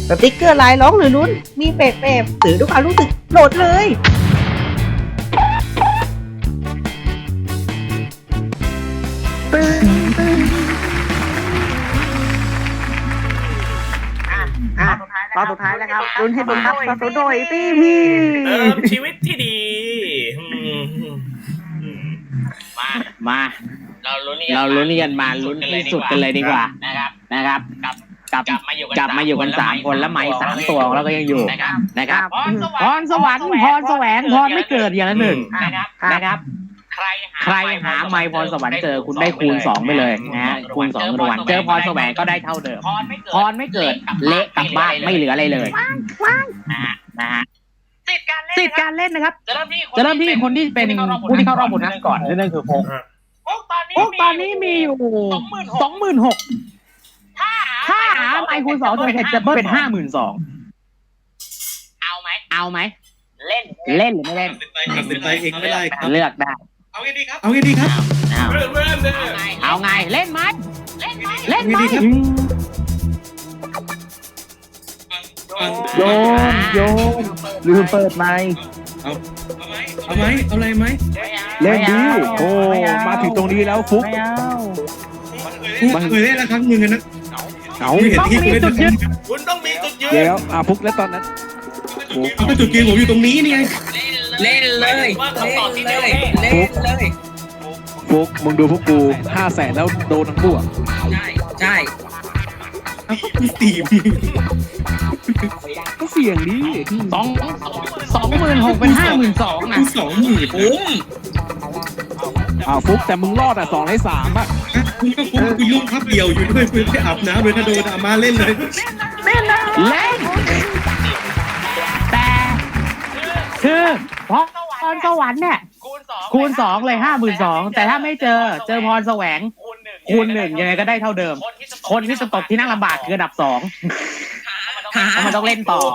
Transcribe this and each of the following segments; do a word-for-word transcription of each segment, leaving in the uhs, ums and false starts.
สติ๊กเกอร์ลายร้องหรือลุ้นมีแปลกๆสื่อทุกความรู้สึกโหลดเลยตึ้งตึ้งอ่ะตอนสุดท้ายแล้วครับลุ้นให้ลุ้นครับตอนสุดโดยตีพีเติมชีวิตที่ดีมามาเราลุ้นเราลุ้นกันมาลุ้นที่สุดกันเลยดีกว่านะครับนะครับกับกับกลับมาอยู่กันสามคนแล้วไม้สามตัวแล้วก็ยังอยู่นะครับพรสวรรค์พรแสวงพรไม่เกิดอย่างละหนึ่งนะครับใครหาไม้พรสวรรค์เจอคุณได้คูณสองไปเลยนะฮะคูณสองรางวัลเจอพรแสวงก็ได้เท่าเดิมพรไม่เกิดเละกลับบ้านไม่เหลืออะไรเลยนะฮะนะฮะสิทธิ์การเล่นนะครับจะเริ่มที่คนที่เป็นผู้ที่เข้ารอบโบนัสก่อนนั่นคือโฟกโฟกตอนนี้มีอยู่สองหมื่นหกถ้าหาไมค์คูณสองจะเป็นจะเป็นห้าหมื่นสองเอาไหมเอาไหมเล่นเล่นหรือไม่เล่นตัดสินใจเองไม่ได้ครับเลือกได้เอาไงดีครับเอาไงดีครับเอาไงเล่นไหมเล่นไหมเล่นไหมโยนโยนลืมเปิดไมค์เอาเอาไหมเอาอะไรไหมเล่นดีโอ้มาถึงตรงนี้แล้วฟุกมันเคยเล่นละครั้งหนึ่งนะเอาเห็นที่เคยเล่นคุณต้องมีจุดยืนเดี๋ยวอ่ะฟุกแล้วตอนนั้นเอาไปจุดยืนผมอยู่ตรงนี้นี่ไงเล่นเลยเล่นเลยเล่นเลยฟุกมึงดูพวกกูห้าแสนแล้วโดนทั้งพวกใช่ใช่พี่ตีมก็เสี่ยงดิสองสองหมื่นหกเป็นห้าหมื่นสองนะสองหมื่นปุ้มอ้าวฟุกแต่มึงรอดอ่ะสองในสามอ่ะคุณก็คุณคุณยุ่งพับเดี่ยวอยู่ด้วยคุณไปอาบน้ำเลยถ้าโดนอามาเล่นเลยเล่นเล่นแต่คือพรสวรรค์เนี่ยคูณสองเลยห้าหมื่นสองแต่ถ้าไม่เจอเจอพรแสวงคูณหนึ่งยังไงก็ได้เท่าเดิมคนที่จะตกที่นั่งลำบากคืออันดับสองมันต้องเล่นต่อ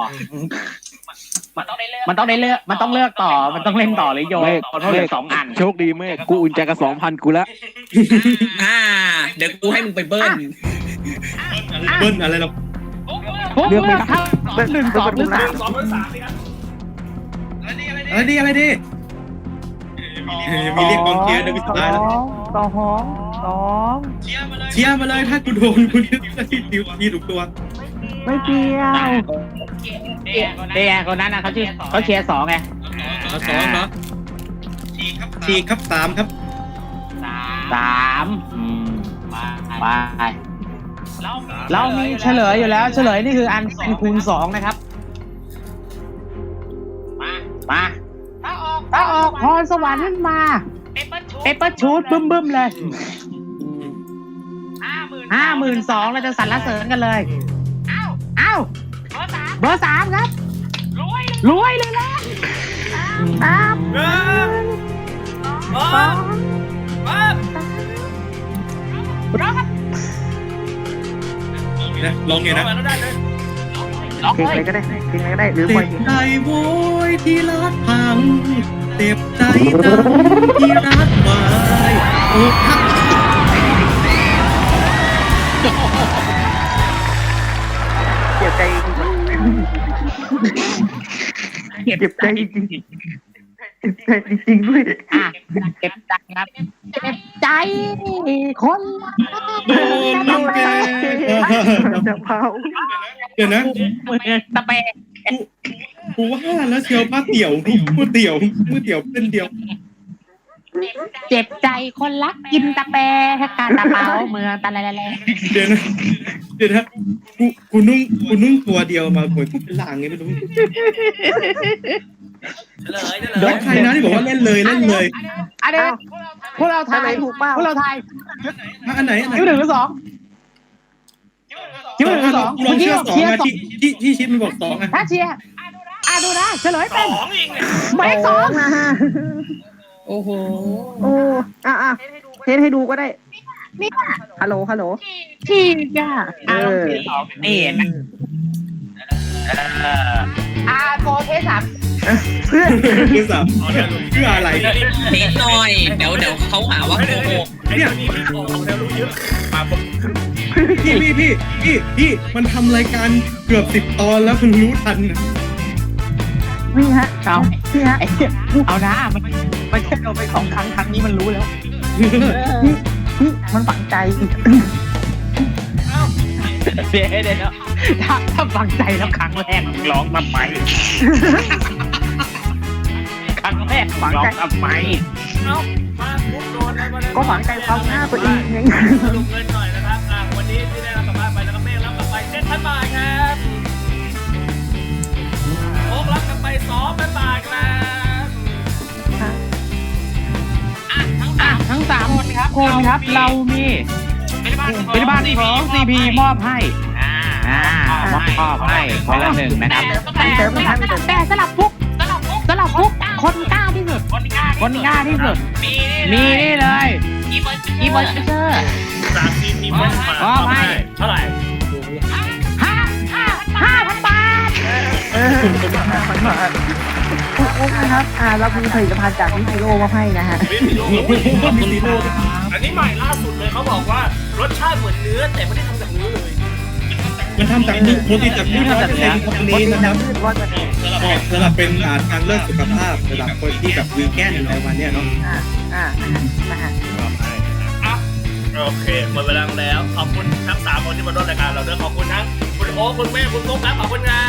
มันต้องได้เลือกมันต้องเลือกต่อมันต้องเล่นต่อเลยโยนเพราะเหลือสองอันโชคดีมากกูอุ่นใจกับสองพันกูแล้วอ่าเดี๋ยวกูให้มึงไปเบิ้ลเบิ้ลอะไรหรอเลือกเลยครับเป็นหนึ่งสองหรือสามอะไรดีอะไรดีมีเรียกกองเชียร์เดินไปสุดท้ายแล้วสองสองเชียร์มาเลยถ้ากูโดนคุณจะที่ติวทีถูกตัวไม่เกี่ยวเดียคนนั้นนะเขาชื่อเขาเชียร์สองไงสองเนาะสี่ครับสามครับสามไปเรามีเฉลยอยู่แล้วเฉลยนี่คืออันคูณสองนะครับมามาถ้าออกพรสวรรค์ขึ้นมาเปเปอร์ชูดบึ้มบึ้มเลยห้าหมื่นสองเราจะสรรเสริญกันเลยเอ้าเบอร์สามครับรวยเลยล่ะสามหนึ่งสองร้องครับลองไงนะเพลงอะไรก็ได้เพลงอะไรก็ได้หรือปล่อยเพลงใจโวยที่รักพังเจ็บใจดำที่รักวายโอ้ทักเจ็บใจเจ็บใจจริงเจ็บใจจริงด้วยอ่ะเจ็บใจครับเจ็บใจคนโดนลูกแกจะเผาเดี๋ยวนะตะเปกูว่าแล้วเชียวผ้าเตี่ยวมือเตี่ยวมือเตี่ยวเป็นเดียวเจ็บใจคนรักกินตะแปกาตะเปาเมืองตะอะไรๆเดี๋ยวนะเดี๋ยวนะกูกูนุ่งกูนุ่งตัวเดียวมาเหมือนเป็นหลังไงไม่รู้เดี๋ยวใครนะที่บอกว่าเล่นเลยเล่นเลยอันนี้พวกเราทายถูกป่ะพวกเราทายอันไหนอันไหนคิวหนึ่งหรือสองคิวหนึ่งหรือสองลองเชียร์สองนะที่ที่ที่ชิดมันบอกสองอ่ะถ้าเชียร์อ่ะดูนะเฉลยเป็นไม่สองนะฮะโอ้โหโอ้อ่ะอ่ะเทสให้ดูก็ได้นี่ฮัลโหลฮัลโหลที่จ้าเออนี่นะอ่าโฟเทสสามเพื่อเพื่อสามเพื่ออะไรนิดหน่อยเดี๋ยวเดี๋ยวเขาหาว่าโกหกเนี่ยพี่พี่พี่พี่พี่มันทำรายการเกือบสิบตอนแล้วเพิ่งรู้ทันนะนี่ฮะเอานี่ฮะไอ้เอานะมันมันแค่เราไปสองครั้งครั้งนี้มันรู้แล้วนี่มันฝังใจเดี๋ยวเดี๋ยวถ้าถ้าฟังใจแล้วครั้งแรกร้องทำไมครั้งแรกร้องทำไมเอ้ามาปุ๊บโดนแล้วก็ฝังใจความหน้าตัวเองไงสรุปเงินหน่อยนะครับอ่ะวันนี้ที่ได้รับกลับบ้านไปแล้วก็เมฆรับกลับไปเจ็ดพันบาทครับโอ๊ครับกลับไปสองพันบาทครับอ่ะทั้งสามคนครับคนครับเรามีเป็นบ้านของซีพีมอบให้อ่ามอบให้คนละหนึ่งนะครับเติมมันทันเติมแต่สลับฟุกสลับฟุกคนกล้าที่สุดคนกล้าที่สุดมีนี่เลยอีเวอร์เชอร์สามทีมมีเพิ่มมาอ๋อไม่เท่าไหร่ห้าห้าห้าพันบาทเออมันมาคุณอุ๊บนะครับ อ่าเรามีผลิตภัณฑ์จากวิทโรมาให้นะฮะวิโรมีซีโร่อันนี้ใหม่ล่าสุดเลยเขาบอกว่ารสชาติเหมือนเนื้อแต่ไม่ได้ทำจากเนื้อเลยมันทำจากมือโปรตีนจากมือร้อยเปอร์เซ็นต์ของนี้นะครับร้อยเปอร์เซ็นต์เหมาะสำหรับเป็นอ่าทางเลือกสุขภาพสำหรับคนที่แบบวีแกนอะไรวันเนี้ยเนาะอ่าอ่านะฮะอ่ะโอเคหมดเวลาแล้วขอบคุณทั้งสามคนที่มาร่วมรายการเราด้วยขอบคุณทั้งคุณโอ๊คคุณแม่คุณมุกครับขอบคุณครับ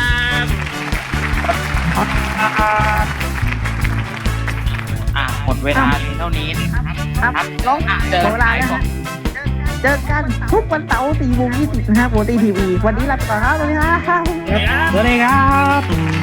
อ่ะหมดเวลาเท่านี้นะครับครับลองเจอเวลาแล้วฮะเจอกันทุกวันเสาร์สี่โมงยี่สิบนะฮะโปรตีทีวี วันนี้ลาไปก่อนครับสวัสดีครับสวัสดีครับ